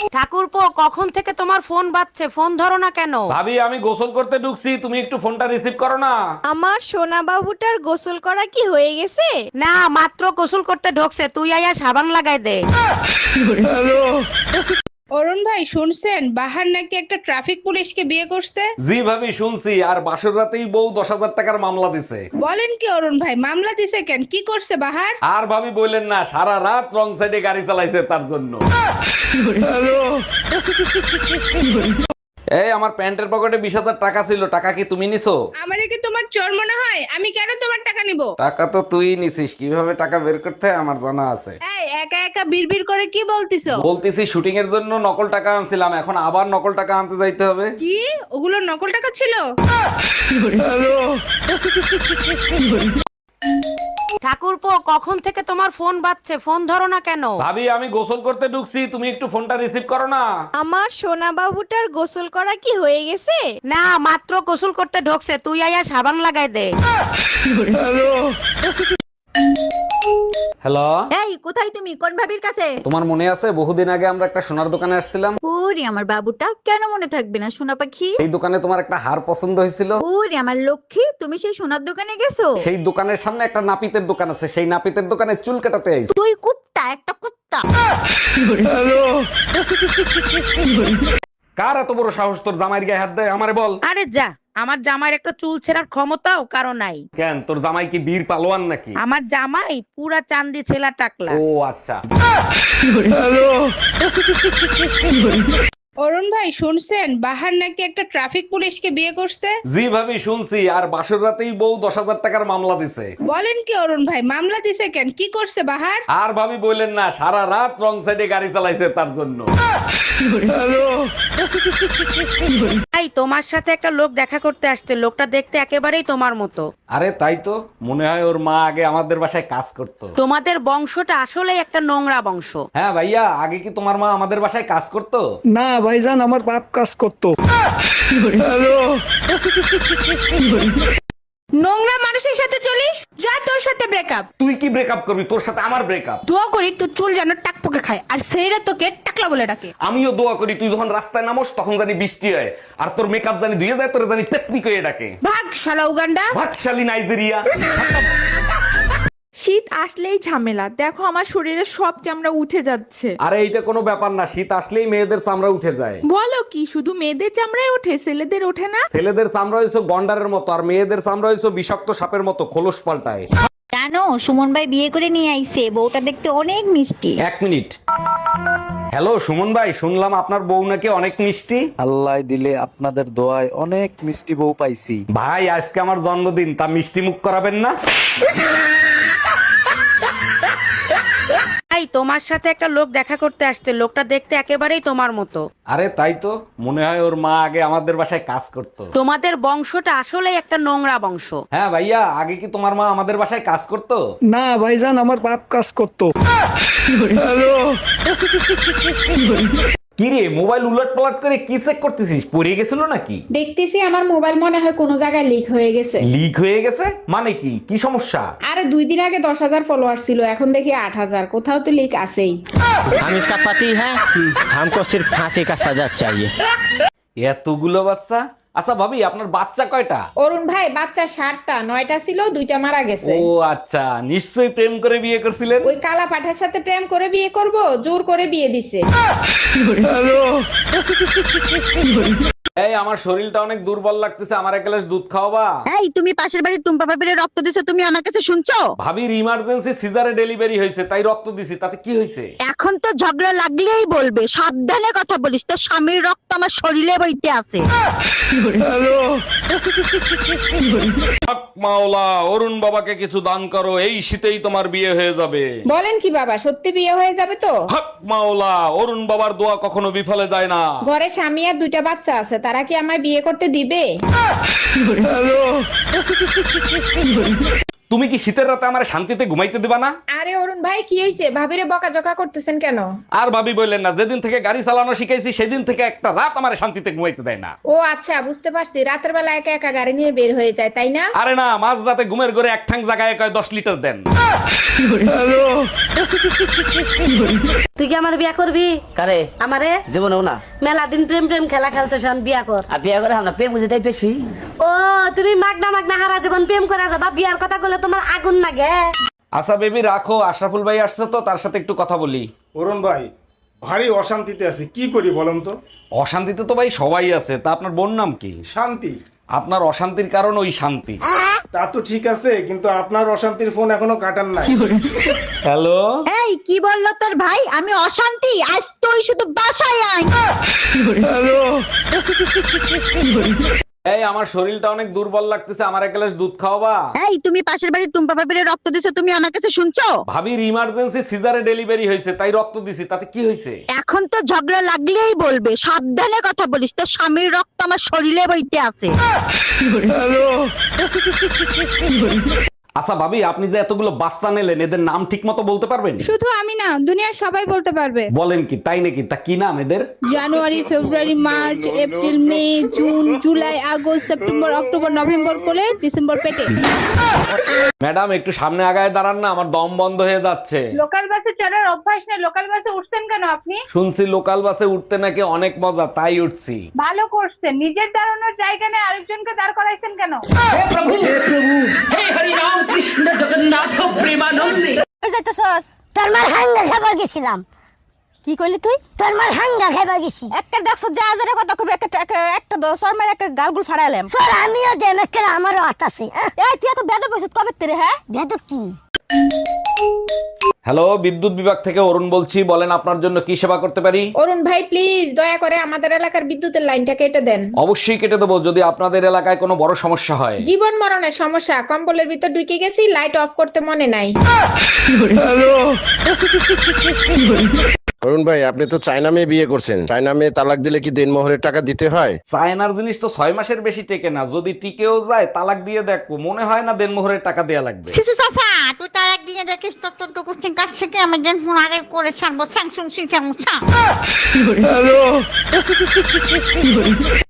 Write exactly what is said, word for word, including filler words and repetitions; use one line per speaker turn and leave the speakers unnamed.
ঠাকুরপো, কখন থেকে তোমার ফোন বাজছে, ফোন ধরো না কেন?
ভাবি আমি গোসল করতে ঢুকছি, তুমি একটু ফোনটা রিসিভ করো না।
আমার সোনা বাবুটার গোসল করা কি হয়ে গেছে?
না, মাত্র গোসল করতে ঢোকছে, তুই আয়া সাবান লাগাই দে।
অরুণ ভাই শুনছেন, বাহার নাকি একটা ট্রাফিক পুলিশকে বিয়ে করছে?
জি ভাবি শুনছি, আর বাসর রাতেই বউ দশ হাজার টাকার মামলা দিছে।
বলেন কি অরুণ ভাই, মামলা দিছে কেন? কি করছে বাহার?
আর ভাবি বললেন না, সারা রাত রং সাইডে গাড়ি চালাইছে তার জন্য। এই আমার প্যান্টের পকেটে বিশ হাজার টাকা ছিল, টাকা কি তুমি নিছো?
আমারে কি তোমার চোর মনে হয়? আমি কেন তোমার টাকা নিব?
টাকা তো তুই নিছিস, কিভাবে টাকা বের করতে হয় আমার জানা আছে।
এই একা একা বিড়বিড় করে কি বলতিছো?
বলতেছি শুটিং এর জন্য নকল টাকা আনছিলাম, এখন আবার নকল টাকা আনতে যাইতে হবে।
কি ওগুলো নকল টাকা ছিল?
ঠাকুরপো, কখন থেকে তোমার ফোন বাজছে, ফোন ধরো না কেন?
ভাবি আমি গোসল করতে ঢুকছি, তুমি একটু ফোনটা রিসিভ করো না।
আমার সোনা বাবুটার গোসল করা কি হয়ে গেছে?
না, মাত্র গোসল করতে ঢোকছে, তুই আয়া সাবান লাগাই দে।
হ্যালো,
এই কোথায় তুমি? কোন ভাবির কাছে?
তোমার মনে আছে বহুদিন আগে আমরা একটা সোনার দোকানে আসছিলাম?
ওরে আমার বাবুটা, কেন মনে থাকবে না সোনা পাখি?
এই দোকানে তোমার একটা হার পছন্দ হয়েছিল।
ওরে আমার লক্ষ্মী, তুমি সেই সোনার দোকানে গেছো?
সেই দোকানের সামনে একটা নাপিতের দোকান আছে, সেই নাপিতের দোকানে চুল কাটাতে আইছি।
তুই কুত্তা, একটা কুত্তা।
কার এত বড় সাহস তোর জামাইয়ের গায়ে হাত দেয়? আমারে বল।
আরে যা, আমার জামাইয়ের একটা চুল ছেঁড়ার ক্ষমতাও কারো নাই।
কেন, তোর জামাই কি বীর পালোয়ান নাকি?
আমার জামাই পুরা চান্দি ছেলা টাকলা।
ও আচ্ছা।
অরুণ ভাই শুনছেন, বাহার নাকি একটা ট্রাফিক পুলিশকে বিয়ে করছে?
জি ভাবি শুনছি, আর বাসর রাতেই বউ দশ হাজার টাকার মামলা দিছে।
বলেন কি অরুণ ভাই, মামলা দিছে কেন? কি করছে বাহার?
আর ভাবি বললেন না, সারা রাত রং সাইডে গাড়ি চালাইছে তার জন্য।
তাই তোমার সাথে একটা লোক দেখা করতে আসছে, লোকটা দেখতে একেবারেই তোমার মতো।
আরে তাই তো, মনে হয় ওর মা আগে আমাদের বাসায় কাজ করতো।
তোমাদের বংশটা আসলে একটা নোংরা বংশ।
হ্যাঁ ভাইয়া, আগে কি তোমার মা আমাদের বাসায় কাজ করতো?
না ভাইজান, আমার বাপ কাজ করতো।
নোংরা মানুষের সাথে চলিস, যা তোর সাথে ব্রেকআপ।
তুই কি ব্রেকআপ করবি? তোর সাথে আমার ব্রেকআপ।
দোয়া করি তোর চুল যেন টাকপোকে খায়, আর ছেলেরা তোকে টাকলা বলে ডাকে।
আমিও দোয়া করি তুই যখন রাস্তায় নামোস তখন জানি বৃষ্টি হয়, আর তোর মেকআপ জানি ধুয়ে যায়, তোর জানি পেতনি করে ডাকে।
ভাগ শালা উগান্ডা।
ভাগশালী নাইজেরিয়া।
শীত আসলেই ঝামেলা, দেখো আমার শরীরে সব চামড়া উঠে যাচ্ছে।
আরে এইটা কোনো ব্যাপার না, শীত আসলেই মেয়েদের চামড়া উঠে যায়।
বলো কি, শুধু মেয়েদের চামড়ায় ওঠে, ছেলেদের ওঠে না?
ছেলেদের চামড়া হয়েছে গন্ডারের মতো, আর মেয়েদের চামড়া হয়েছে বিষাক্ত সাপের মতো, খোলস পাল্টায়।
জানো সুমন ভাই বিয়ে করে নিয়ে আইছে, বউটা দেখতে অনেক মিষ্টি।
এক মিনিট। হ্যালো সুমন ভাই, শুনলাম আপনার বউ নাকি অনেক মিষ্টি।
আল্লাহ দিলে আপনাদের দোয়ায় অনেক মিষ্টি বউ পাইছি।
ভাই আজকে আমার জন্মদিন, তা মিষ্টি মুখ করাবেন না?
তাই তোমার সাথে একটা লোক দেখা করতে আসছে, লোকটা দেখতে একেবারেই তোমার মতো।
আরে তাই তো, মনে হয় ওর মা আগে আমাদের বাসায় কাজ করতো।
তোমাদের বংশটা আসলে একটা নোংরা বংশ।
হ্যাঁ ভাইয়া, আগে কি তোমার মা আমাদের বাসায় কাজ করতো?
না ভাইজান, আমার বাপ কাজ করতো।
কি রে, মোবাইল উলট পালট করে কি চেক করতেছিস? পড়ে গেছিল নাকি?
দেখতেছি আমার মোবাইল মনে হয় কোনো জায়গায় লিক হয়ে গেছে।
লিক হয়ে গেছে মানে কি? কি সমস্যা?
আরে দুই দিন আগে দশ হাজার ফলোয়ার ছিল, এখন দেখি আট হাজার। কোথাও তো লিক আছেই।
हम इसका पति है, हमको सिर्फ फांसी का सजा चाहिए।
এতগুলো বাচ্চা? আচ্ছা ভাবি, আপনার বাচ্চা কয়টা?
অরুণ ভাই বাচ্চা ষাটটা, নয়টা ছিল, দুইটা মারা গেছে।
ও আচ্ছা, নিশ্চয়ই প্রেম করে বিয়ে করছিলেন।
ওই কালা পাঠার সাথে প্রেম করে বিয়ে করব, জোর করে বিয়ে দিছে।
এই আমার শরীরটা অনেক দুর্বল লাগতেছে, আমার এক গ্লাস দুধ খাওয়াবা?
এই তুমি পাশের বাড়ির টুম্পা ভাবিরে রক্ত দিছো, তুমি আমার কাছে শুনছো?
ভাবির ইমার্জেন্সি সিজারে ডেলিভারি হয়েছে, তাই রক্ত দিছি, তাতে কি হয়েছে?
এখন তো ঝগড়া লাগলেই বলবে, সাবধানে কথা বলিস, তোর স্বামীর রক্ত আমার শরীরে বইতে আছে।
হক মাওলা, অরুণ বাবাকে কিছু দান করো, এই শীতেই তোমার বিয়ে হয়ে যাবে।
বলেন কি বাবা, সত্যি বিয়ে হয়ে যাবে তো?
হক মাওলা, অরুণ বাবার দোয়া কখনো বিফলে যায় না।
ঘরে স্বামী আর দুইটা বাচ্চা আছে, তারা কি আমায় বিয়ে করতে দিবে?
তুমি কি শীতের রাতে আমার শান্তিতে ঘুমাইতে দিবা না?
আরে অরুণ ভাই কি হয়েছে, ভাবিরে বকাঝকা করতেছেন কেন?
আর ভাবি বললেন না, যেদিন থেকে গাড়ি চালানো শিখাইছি সেদিন থেকে একটা রাত আমার শান্তিতে ঘুমাইতে দেয় না।
ও আচ্ছা বুঝতে পারছি, রাতের বেলা একা একা গাড়ি নিয়ে বের হয়ে যায় তাই না?
আরে না, মাঝ রাতে ঘুমের ঘরে এক ঠাং জায়গায় কয় দশ লিটার দেন।
তুই কি আমার বিয়া করবি?
करे
আমারে
জীবন না
মেলা দিন প্রেম প্রেম খেলা খেলতে শোন, বিয়া কর।
আর বিয়ে করে আমরা প্রেম বুঝে তাই বেশি।
ও তুমি মাগনা মাগনা হারা জীবন প্রেম করে যাবা, বিয়ার কথা বলে তোমার আগুন লাগে।
আচ্ছা বেবি রাখো, আশরাফুল ভাই আসছে তো, তার সাথে একটু কথা বলি।
অরুণ ভাই ভারী অশান্তিতে আছি, কি করি বলেন তো?
অশান্তিতে তো ভাই সবাই আছে, তা আপনার বোন নাম কি?
শান্তি।
আপনার অশান্তির কারণ ওই শান্তি।
তা তো ঠিক আছে, কিন্তু আপনার অশান্তির ফোন এখনো কাটান নাই।
হ্যালো,
এই কি বললো তোর ভাই? আমি অশান্তি? আজ তুই শুধু বাসায় আয়।
এই আমার শরীরটা অনেক দুর্বল লাগতেছে, আমার এক গ্লাস দুধ খাওয়াবা?
এই তুমি পাশের বাড়ির টুম্পা ভাবিরে রক্ত দিছো, তুমি আমার কাছে শুনছো?
ভাবির ইমার্জেন্সি সিজারে ডেলিভারি হয়েছে, তাই রক্ত দিছি, তাতে কি হয়েছে?
এখন তো ঝগড়া লাগলেই বলবে, সাবধানে কথা বলিস, তোর স্বামীর রক্ত আমার শরীরে বইতে আছে।
আচ্ছা ভাবি, আপনি যে এতগুলো বাচ্চা নিলেন, এদের নাম ঠিক মতো বলতে পারবেন?
শুধু আমি না, দুনিয়ার সবাই বলতে পারবে।
বলেন কি, তাই নাকি? তা কি নাম এদের?
জানুয়ারি, ফেব্রুয়ারি, মার্চ, এপ্রিল, মে, জুন, জুলাই, আগস্ট, সেপ্টেম্বর, অক্টোবর, নভেম্বর করে ডিসেম্বর পেটে।
ম্যাডাম একটু সামনে আগায় দাঁড়ান না, আমার দম বন্ধ হয়ে যাচ্ছে।
লোকাল বাসে চড়ার অভ্যাস নেই, লোকাল বাসে উঠছেন কেন আপনি?
শুনছি লোকাল বাসে উঠতে নাকি অনেক মজা, তাই উঠছি।
ভালো করছেন, নিজের দাঁড়ানোর জায়গা নেই আরেকজনকে দাঁড় করাইছেন কেন?
তোর মার হাঙ্গা খাবার গেছিলাম।
কি কইলি তুই?
তোর মার হাঙ্গা খাবার গেছি।
একটা দেখছো যা হাজারের কথা কবি, একটা একটা- একটা দশর মার একটা গালগুল ফাড়াইলাম।
তোর আমিও দেন একটা, আমারও হাত আছে।
এই তুই এত বেদ বসে কবে তেরে? হ্যাঁ
বেদ কি?
হ্যালো, বিদ্যুৎ বিভাগ থেকে অরুণ বলছি, বলেন আপনার জন্য কি সেবা করতে পারি?
অরুণ ভাই প্লিজ দয়া করে আমাদের এলাকার বিদ্যুতের লাইনটা কেটে দেন।
অবশ্যই কেটে দেবো, যদি আপনাদের এলাকায় কোনো বড় সমস্যা হয়।
জীবন মরণের সমস্যা, কম্বলের ভিতর ঢুকে গেছি, লাইট অফ করতে মনে নাই।
অরুণ ভাই আপনি তো চায়না মেয়ে বিয়ে করছেন, চায়না মেয়ে তালাক দিলে কি দেনমোহরের টাকা দিতে হয়?
চায়নার জিনিস তো ছয় মাসের বেশি টেকে না, যদি টিকেও যায় তালাক দিয়ে দেখবো, মনে হয় না দেনমোহরের টাকা দেয়া লাগবে।
শিশু সাফা তুই তার একদিনে দেখিস তোর তোর তো কুচিং কাট থেকে আমি দেন ফোন আরে করে ছাড়বো স্যাংসুং সিং